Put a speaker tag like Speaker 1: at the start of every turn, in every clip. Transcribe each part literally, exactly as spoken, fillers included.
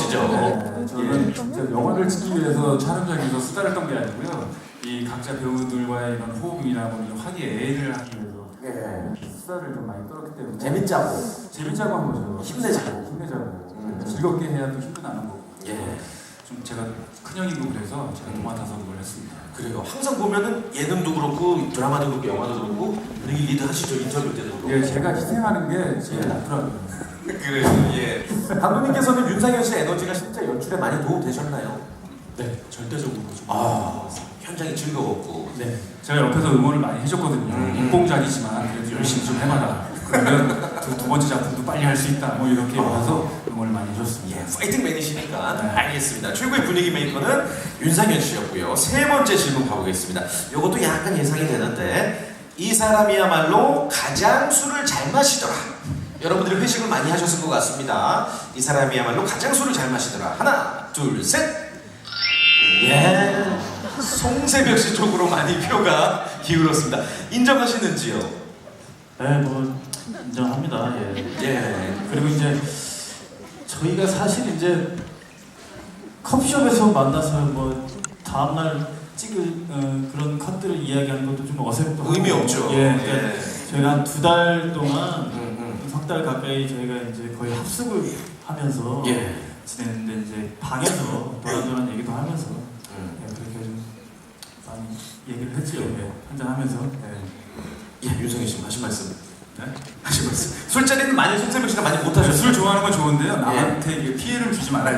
Speaker 1: 멋지죠.
Speaker 2: 네, 저는 진짜 영화를 찍기 위해서 촬영장에서 수다를 떤 게 아니고요. 이 각자 배우들과의 이런 호흡이나 뭐 이런 화기애애를 하기 위해서
Speaker 1: 예.
Speaker 2: 수다를 좀 많이 떨었기 때문에
Speaker 1: 재밌자고.
Speaker 2: 재밌자고 한 거죠.
Speaker 1: 힘내자고.
Speaker 2: 힘내자고.
Speaker 1: 음.
Speaker 2: 즐겁게 해야 또 힘도 나는 거고.
Speaker 1: 예.
Speaker 2: 좀 제가 큰형이고 그래서 제가 도맡아서 그걸 했습니다.
Speaker 1: 그래요. 항상 보면은 예능도 그렇고 드라마도 그렇고 영화도 그렇고 분위기 리드 하시죠. 인터뷰 때도 그렇고.
Speaker 2: 예, 제가 희생하는 게 제일
Speaker 1: 예.
Speaker 2: 낫더라고요.
Speaker 1: 그래요. 예. 감독님께서는 윤상현 씨의 에너지가 진짜 연출에 많이 도움 되셨나요?
Speaker 2: 네, 절대적으로 좀.
Speaker 1: 아, 현장이 즐거웠고.
Speaker 2: 네, 제가 옆에서 응원을 많이 해줬거든요.
Speaker 1: 음.
Speaker 2: 인공작이지만 그래도 열심히 좀 해봐라. 그러면 두, 두 번째 작품도 빨리 할 수 있다. 뭐 이렇게 해서 응원을 많이 해줬습니다.
Speaker 1: 예, 파이팅 맨이시니까
Speaker 2: 네.
Speaker 1: 알겠습니다. 최고의 분위기 메이커는 윤상현 씨였고요. 세 번째 질문 가보겠습니다. 이것도 약간 예상이 되는데 이 사람이야말로 가장 술을 잘 마시더라. 여러분들이 회식을 많이 하셨을 것 같습니다. 이 사람이야말로 가장 술을 잘 마시더라. 하나, 둘, 셋. 예, 송새벽 씨 쪽으로 많이 표가 기울었습니다. 인정하시는지요?
Speaker 3: 네, 뭐 인정합니다. 예.
Speaker 1: 예.
Speaker 3: 그리고 이제 저희가 사실 이제 커피숍에서 만나서 뭐 다음날 찍을 어, 그런 컷들을 이야기하는 것도 좀 어색하고
Speaker 1: 의미 없죠.
Speaker 3: 예, 그러니까
Speaker 1: 예.
Speaker 3: 저희가 한 두 달 동안
Speaker 1: 음,
Speaker 3: 석 달 가까이 저희가 이제 거의 합숙을 하면서
Speaker 1: 예.
Speaker 3: 지냈는데 이제 방에서 도란도란 얘기도 하면서
Speaker 1: 음.
Speaker 3: 예, 그렇게 좀 많이 얘기를 했죠. 예, 한잔 하면서. 예.
Speaker 1: 예, 윤성희 씨 하신 말씀.
Speaker 2: 네?
Speaker 1: 하신 말씀. 술자리는 많이 송새벽 씨가 많이
Speaker 2: 술
Speaker 1: 못하셨어요.
Speaker 2: 좋아하는 건 좋은데요. 남한테 이게 피해를 주지 말아야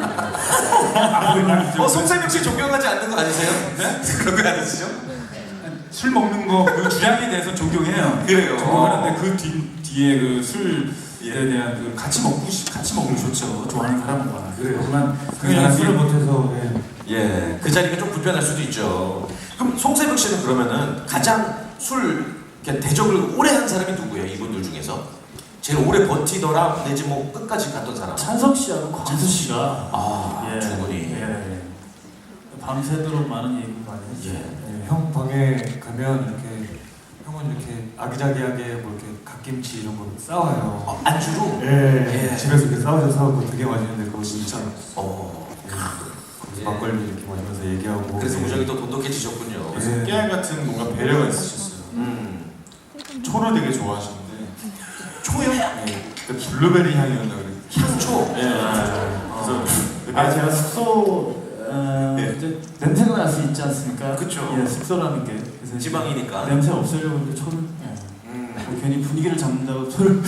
Speaker 2: 돼요.
Speaker 1: 어, 송새벽 씨 존경하지 않는 거 아니세요? 네? 그런 거 아니시죠?
Speaker 2: 술 먹는 거 그 주량에 대해서 존경해요.
Speaker 1: 그래요.
Speaker 2: 존경하는데 그 뒤, 뒤에 그 술에
Speaker 1: 예.
Speaker 2: 대한 그 같이 먹고 싶, 같이 먹으면 좋죠. 좋아하는 사람과.
Speaker 1: 그래요.
Speaker 2: 하지만 그
Speaker 3: 그냥
Speaker 2: 사람이
Speaker 3: 술을 못해서 예.
Speaker 1: 예, 그 자리가 좀 불편할 수도 있죠. 그럼 송새벽 씨는 그러면은 가장 술 이렇게 대접을 오래 한 사람이 누구예요? 이분들 중에서 제일 오래 버티더라 내지 뭐 끝까지 갔던 사람?
Speaker 3: 찬석 씨하고 광수 씨가
Speaker 1: 아,
Speaker 3: 예,
Speaker 1: 두 분이.
Speaker 3: 예. 밤새도록 많은 얘기를 많이 했죠.
Speaker 1: 예.
Speaker 4: 네, 형 방에 가면 이렇게 형은 이렇게 아기자기하게 뭐 이렇게 갓김치 이런 거 싸와요.
Speaker 1: 어, 안주로?
Speaker 4: 예,
Speaker 1: 예.
Speaker 4: 집에서 이렇게 싸우셔서 사고 되게 맛있는데 그거 진짜
Speaker 1: 어.
Speaker 4: 거기서
Speaker 1: 예.
Speaker 4: 막걸리 이렇게 마시면서 얘기하고.
Speaker 1: 그래서
Speaker 4: 예.
Speaker 1: 무정이 또 돈독해지셨군요.
Speaker 4: 예.
Speaker 5: 깨알 같은 뭔가 배려가 있으셨어요.
Speaker 1: 음.
Speaker 5: 초를 되게 좋아하시는데
Speaker 1: 초요?
Speaker 5: 네, 그때 블루베리 향이었나 그래.
Speaker 1: 향초?
Speaker 5: 예. 그래서
Speaker 3: 아 제가 숙소 어,
Speaker 5: 네.
Speaker 3: 이제 냄새가 날 수 있지 않습니까?
Speaker 1: 그쵸.
Speaker 3: 예, 숙소라는 게 그래서
Speaker 1: 지방이니까.
Speaker 3: 냄새 없애려고 이제 초를 예.
Speaker 1: 음.
Speaker 3: 뭐 괜히 분위기를 잡는다고 초를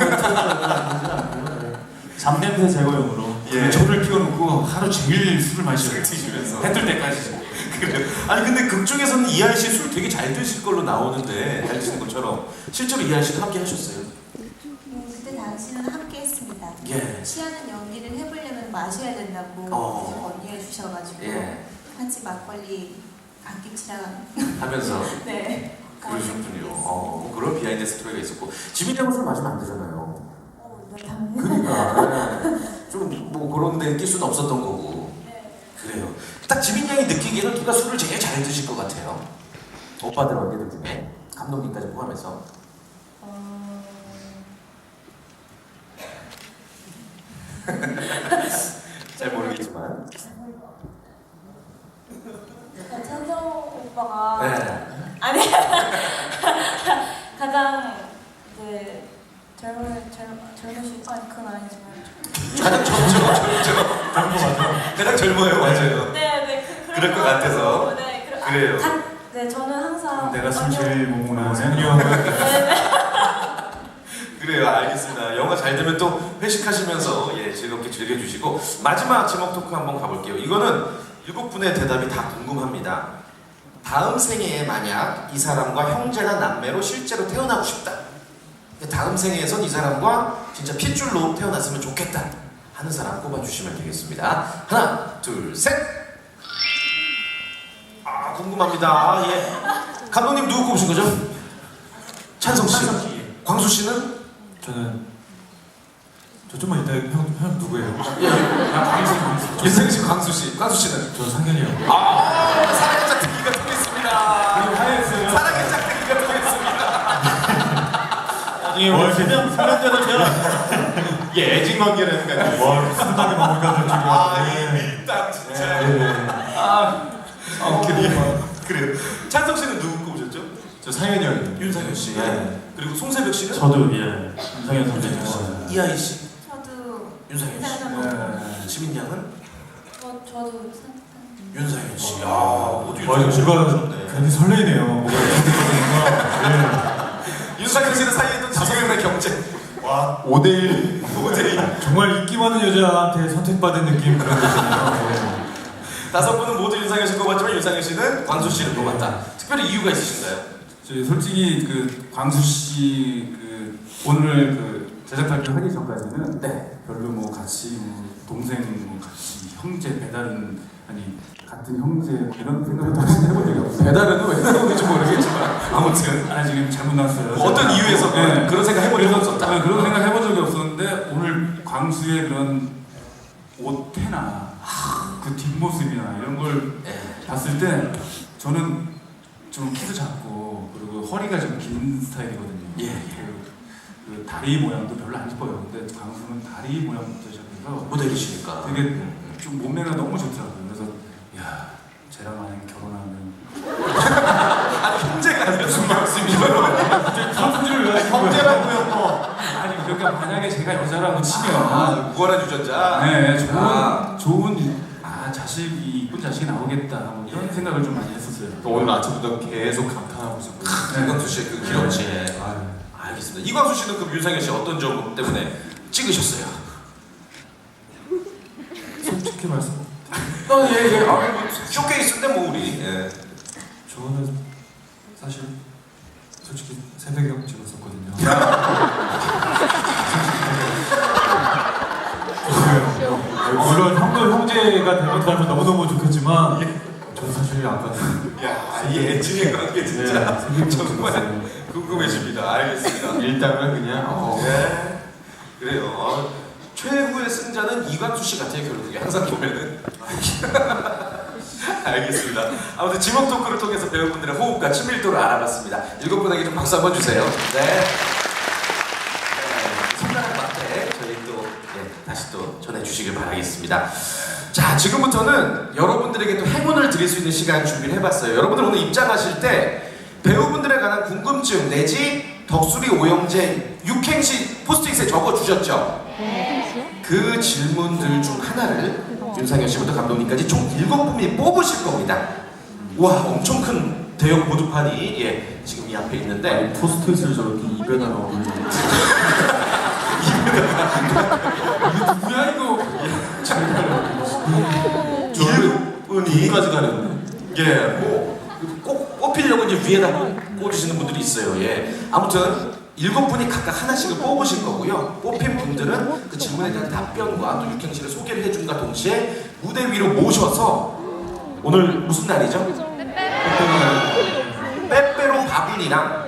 Speaker 3: 잡냄새 제거용으로.
Speaker 1: 예.
Speaker 2: 초를 피워놓고 하루 종일 술을 마셔요.
Speaker 1: 드시면서.
Speaker 2: 해뜰 때까지.
Speaker 1: 그래요. 아니 근데 극 중에서는 이하이 씨 술 되게 잘 드실 걸로 나오는데 잘 드시는 것처럼 실제로 이하이 씨도 함께 하셨어요?
Speaker 6: 음, 그때 당시는 함께 했습니다.
Speaker 1: 예.
Speaker 6: 취하는 연기를 해보려면 마셔야 된다고
Speaker 1: 어.
Speaker 6: 언니가 주셔가지고
Speaker 1: 예.
Speaker 6: 같이 막걸리 갓김치랑
Speaker 1: 하면서
Speaker 6: 네.
Speaker 1: 그러셨군요. 어, 그런 비하인드 스토리가 있었고 지민이하고 술 마시면 안 되잖아요.
Speaker 6: 어, 네, 당연히.
Speaker 1: 그러니까 좀 뭐 그런 데 낄 수는 없었던 거고.
Speaker 6: 네.
Speaker 1: 그래요. 딱 지민 양이 느끼기에는 누가 술을 제일 잘 드실 것 같아요. 오빠들 언니들 중에 감독님까지 포함해서.
Speaker 6: 어...
Speaker 1: 잘 모르겠지만.
Speaker 6: 찬성 오빠가
Speaker 1: 네.
Speaker 6: 아니 가장 이제 젊은 젊 젊으신 아니 그건 아니지만
Speaker 1: 가장 젊죠, 젊죠.
Speaker 3: 그런 거 맞아.
Speaker 1: 가장 젊어요, 맞아요.
Speaker 6: 네네 그,
Speaker 1: 그럴 것 같아서.
Speaker 6: 네 그러,
Speaker 1: 그래요.
Speaker 6: 아, 간, 네 저는 항상
Speaker 2: 내가 술
Speaker 6: 언니-
Speaker 2: 제일 못 먹는
Speaker 4: 생유
Speaker 2: 거네.
Speaker 6: 네네
Speaker 1: 그래요, 알겠습니다. 영화 잘 되면 또 회식하시면서 예 즐겁게 즐겨주시고 마지막 제목 토크 한번 가볼게요. 이거는 일곱 분의 대답이 다 궁금합니다. 다음 생애에 만약 이 사람과 형제나 남매로 실제로 태어나고 싶다. 다음 생애에선 이 사람과 진짜 핏줄로 태어났으면 좋겠다 하는 사람 꼽아주시면 되겠습니다. 하나, 둘, 셋. 아 궁금합니다. 예. 감독님 누구 꼽으신 거죠? 찬성 씨. 광수 씨는?
Speaker 4: 저는 저 좀만 이따 형, 형 누구예요?
Speaker 1: 예. 아, 광수, 광수. 윤승희 씨, 광수 씨. 광수 씨는?
Speaker 4: 저 상현이 형.
Speaker 1: 아, 사랑의 짝대기가 통했습니다.
Speaker 2: 그리고 하였어요.
Speaker 1: 사랑의 짝대기가 통했습니다.
Speaker 3: 나중에 월 세명 삼 년 전에 태어나.
Speaker 5: 이게 애증 관계라니까요.
Speaker 4: 와 훈훈하게 마무리가 될
Speaker 1: 아, 이
Speaker 4: 줄이야.
Speaker 1: 밀당 진짜.
Speaker 4: 네.
Speaker 1: 아, 아 그래요. 그래요. 찬성 씨는 누구 꼽으셨죠?
Speaker 5: 저 상현이 형이요.
Speaker 1: 윤상현 씨.
Speaker 5: 네.
Speaker 1: 그리고 송세벽 씨는
Speaker 3: 저도 예 윤상현 선배님 좋아해요.
Speaker 1: 이하이 씨,
Speaker 6: 저도
Speaker 1: 윤상현 씨.
Speaker 6: 윤상현
Speaker 1: 네. 지민 양은
Speaker 6: 저 저도 산-
Speaker 1: 윤상현 씨. 아, 모두
Speaker 4: 와
Speaker 1: 윤상현 씨
Speaker 4: 뭔가
Speaker 1: 꼽으셨네.
Speaker 4: 괜히 설레이네요. 뭔가 네.
Speaker 1: 윤상현 씨는 사이에 있던 다섯 명의 경쟁.
Speaker 4: 와
Speaker 5: 오 대 일.
Speaker 1: 모델이
Speaker 4: 정말 인기 많은 여자한테 선택받은 느낌 그런 거 있잖아요. 네.
Speaker 1: 다섯 분은 모두 윤상현 씨 꼽았지만 윤상현 씨는 광수 씨를 꼽았다. 특별히 이유가 있으신가요?
Speaker 2: 저희 솔직히 그 광수 씨그 오늘 그 제작 발표하기 전까지는
Speaker 1: 네.
Speaker 2: 별로 뭐 같이 뭐 동생 뭐 같이 형제 배달은 아니 같은 형제 뭐 이런 생각을 다시 해본 적이 없어요.
Speaker 1: 배달은 왜 해놓는지 모르겠지만 아무튼
Speaker 2: 아 지금 잘못 나왔어요.
Speaker 1: 뭐 어떤 이유에서
Speaker 2: 네.
Speaker 1: 그런 생각 해본 적이 없었다.
Speaker 2: 아, 그런 생각 해본 적이 없었는데 오늘 광수의 그런 옷태나 그 뒷모습이나 이런 걸
Speaker 1: 예.
Speaker 2: 봤을 때 저는 좀 키도 작고 그리고 허리가 좀 긴 스타일이거든요.
Speaker 1: 예, 예.
Speaker 2: 그, 그 다리 모양도 별로 안 이뻐요. 근데 광수는 다리 모양부터 시작해서
Speaker 1: 모델이시니까.
Speaker 2: 되게
Speaker 1: 음.
Speaker 2: 좀 몸매가 너무 좋더라고요. 그래서 야 쟤랑 만약 결혼하면
Speaker 1: 아 형제가 아니라 무슨 말씀이죠?
Speaker 5: 형제라고요 뭐.
Speaker 2: 아니 그러니까 만약에 제가 여자라고 치면
Speaker 1: 아 무관한 유전자.
Speaker 2: 네 좋은
Speaker 1: 아.
Speaker 2: 좋은 아 자식이 이쁜 자식이 나오겠다 뭐 이런
Speaker 1: 예.
Speaker 2: 생각을 좀 많이 했었어요.
Speaker 5: 오늘 아침부터 계속 감탄하고 있었거든요.
Speaker 1: 이광수 씨의 그 기럭지. 알겠습니다. 이광수 씨는 그럼 윤상현 씨 어떤 점 때문에 찍으셨어요?
Speaker 4: 솔직히 말씀
Speaker 1: 어, 예, 예. 아, 뭐, 쇼케이스인데 뭐 우리. 예.
Speaker 4: 저는 사실 솔직히 새벽에 찍었었거든요. 물론 형도 형제가 되면 더 너무너무 좋겠지만 저는 사실 아까
Speaker 1: 야, 이 애증의 관계 진짜
Speaker 4: 네,
Speaker 1: 정말 궁금해집니다. 알겠습니다.
Speaker 5: 일당은 그냥 어.
Speaker 1: 네. 그래요. 어, 최후의 승자는 이광수 씨 같아요, 결국에. 항상 보면은. 알겠습니다. 아무튼 지목 토크를 통해서 배우분들의 호흡과 친밀도를 알아봤습니다. 일곱 분에게 좀 박수 한번 주세요. 네. 네. 손가락 맞대 저희 또 네, 다시 또 전해주시길 바라겠습니다. 자, 지금부터는 여러분들에게 또 행운을 드릴 수 있는 시간 준비를 해봤어요. 여러분들 오늘 입장하실 때 배우분들에 관한 궁금증 내지 덕수리 오영재 육행시 포스트잇에 적어주셨죠? 그 질문들 중 하나를 윤상현 씨부터 감독님까지 총 일곱 분이 뽑으실 겁니다. 와, 엄청 큰 대형 보드판이 예, 지금 이 앞에 있는데
Speaker 3: 포스트잇을 저렇게 입에 달아 올리는
Speaker 2: 뭐야 이거?
Speaker 1: 일곱 분이
Speaker 5: 까지 가렸네.
Speaker 1: 예, 뭐꼭 뽑히려고 이제 위에다 꽂으시는 분들이 있어요. 예, 아무튼 일곱 분이 각각 하나씩을 뽑으실 거고요. 뽑힌 분들은 그 질문에 대한 답변과 또 육행시를 소개를 해준과 동시에 무대 위로 모셔서 오늘 무슨 날이죠? 빼빼로 바분이랑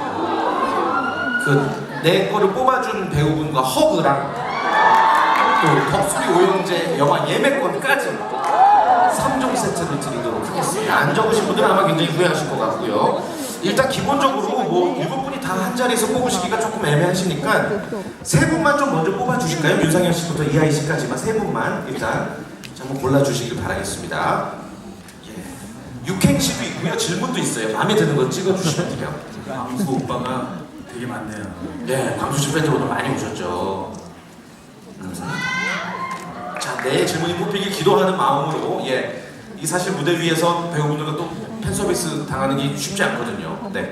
Speaker 1: 그 내 거를 뽑아준 배우분과 허그랑 또 덕수리 오영재 영화 예매권까지 삼 종 세트를 드리도록 하겠습니다. 안 적으신 분들은 아마 굉장히 후회하실 것 같고요. 일단 기본적으로 뭐 일곱 분이 다 한 자리에서 뽑으시기가 조금 애매하시니까 세 분만 좀 먼저 뽑아주실까요? 윤상현 씨부터 이하이 씨까지만 세 분만 일단 한번 골라주시길 바라겠습니다. 예. 육행시도 있고요. 질문도 있어요. 마음에 드는 거 찍어주시면 돼요.
Speaker 2: 광수 오빠가 되게 많네요.
Speaker 1: 네, 광수 씨 팬들 오늘 많이 오셨죠. 감사합니다. 자, 내 질문이 뽑히길 기도하는 마음으로 예, 이 사실 무대 위에서 배우분들과 또 팬 서비스 당하는 게 쉽지 않거든요. 네.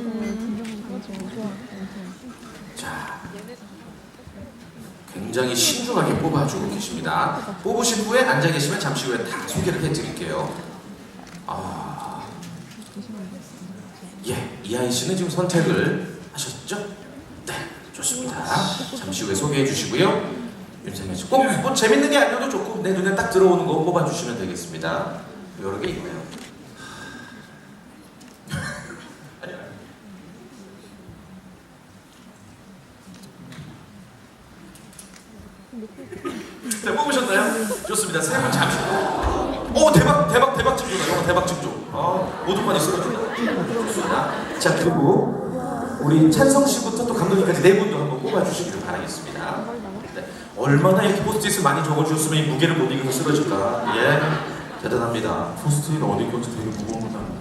Speaker 1: 자, 굉장히 신중하게 뽑아주고 계십니다. 뽑으신 후에 앉아 계시면 잠시 후에 다 소개를 해드릴게요. 아, 예, 이하이 씨는 지금 선택을 하셨죠? 네, 좋습니다. 잠시 후에 소개해 주시고요. 윤상현 씨, 꼭 뭐 재밌는 게 아니어도 좋고 내 눈에 딱 들어오는 거 뽑아주시면 되겠습니다. 여러 개 있네요. 자, 뽑으셨나요? 좋습니다. 세 분 잠시 후. 오, 대박, 대박, 대박 징조다. 영화 대박 징조. 아, 모두만이 쓰러진다. 좋습니다. 자, 그리고 우리 찬성 씨부터 또 감독님까지 네 분도 한번 뽑아주시기를 바라겠습니다. 네. 얼마나 이렇게 포스트잇을 많이 적어주셨으면 이 무게를 못 이기고 쓰러질까. 예, 대단합니다.
Speaker 5: 포스트잇 어디 건지 되게 무거운 거다.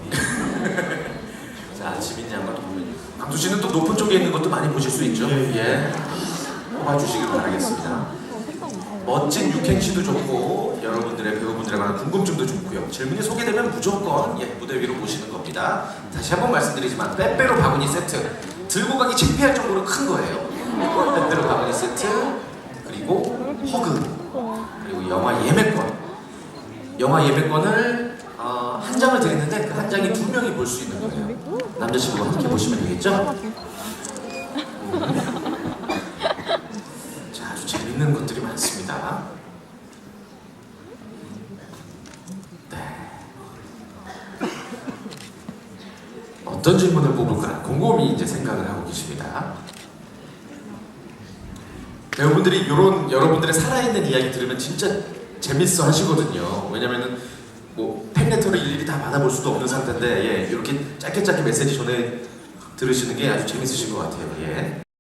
Speaker 1: 자, 지민 양과도 보면 강수 씨는 또 높은 쪽에 있는 것도 많이 보실 수 있죠.
Speaker 3: 예.
Speaker 1: 예, 뽑아주시길 바라겠습니다. 멋진 육행시도 좋고 여러분들의 배우분들에 관한 궁금증도 좋고요. 질문이 소개되면 무조건 예, 무대 위로 모시는 겁니다. 다시 한번 말씀드리지만 빼빼로 바구니 세트 들고 가기 창피할 정도로 큰 거예요. 빼빼로 바구니 세트 그리고 허그 그리고 영화 예매권 영화 예매권을 어, 한 장을 드리는데 그 한 장이 두 명이 볼 수 있는 거예요. 남자친구와 함께 보시면 되겠죠? 음. 자, 아주 재밌는 것들이 많습니다. 네. 어떤 질문을 뽑을까 곰곰이 이제 생각을 하고 계십니다. 배우분들이 이런 여러분들의 살아있는 이야기 들으면 진짜 재밌어 하시거든요. 왜냐면은 뭐 팬레터를 일일이 다 받아볼 수도 없는 상태인데 예, 이렇게 짧게 짧게 메시지 전해 들으시는 게 아주 재밌으신 것 같아요. 예.